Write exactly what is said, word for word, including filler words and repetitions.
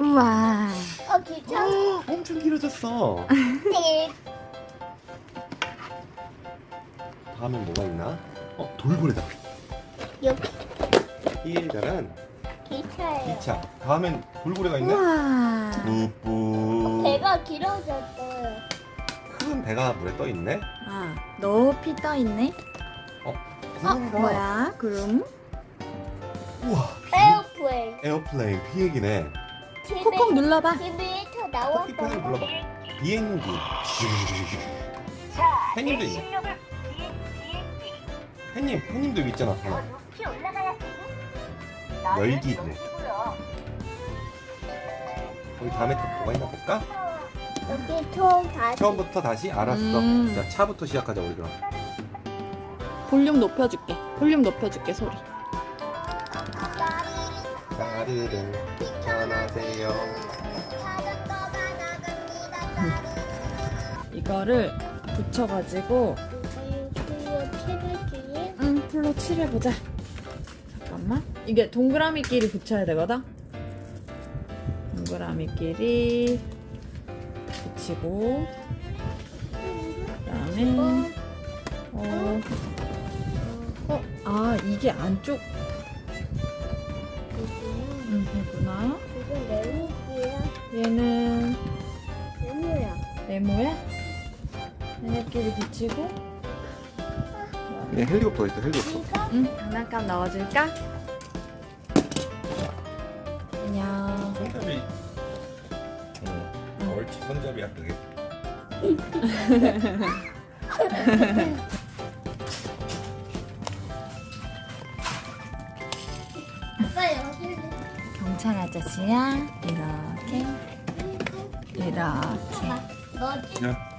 우와. 어, 귀찮아. 엄청 길어졌어. 다음엔 뭐가 있나? 어, 돌고래다. 여기 이해자란 기차예요. 기차. 다음엔 돌고래가 있네? 우와. 뿌뿌. 배가 길어졌어요. 큰 배가 물에 떠 있네? 아, 높이 떠 있네. 어, 어, 구름이다. 뭐야? 구름? 우와. 에어플레인. 에어플레인 비행기네. 콕콕 눌러봐. 티비에서 커피펜을 나왔던 불러봐. 비행기. 햇님도 있네. 햇님, 햇님도 여기 있잖아. 하나. 높이 올라가야지. 열기구. 우리 다음에 또 뭐가 있나 볼까? 여기 총 다시. 처음부터 다시 알았어. 음. 자, 차부터 시작하자 우리 그럼. 볼륨 높여줄게. 볼륨 높여줄게, 소리. 까르르 편하세요. 이거를 붙여가지고 응, 풀로 칠해보자. 잠깐만. 이게 동그라미끼리 붙여야 되거든? 동그라미끼리 붙이고 그다음에 어, 어, 아 이게 안쪽 음, 이구나. 이건 레몬이야. 얘는 레몬이야. 네모야? 얘네끼리 붙이고 예, 헬리콥터 있어, 헬리콥터. 이거 응, 장난감 넣어줄까? 안녕. 손잡이. 응. 옳지, 손잡이야 그게. 아빠 여기. 경찰 아저씨야. 이렇게 이렇게 너지? 야,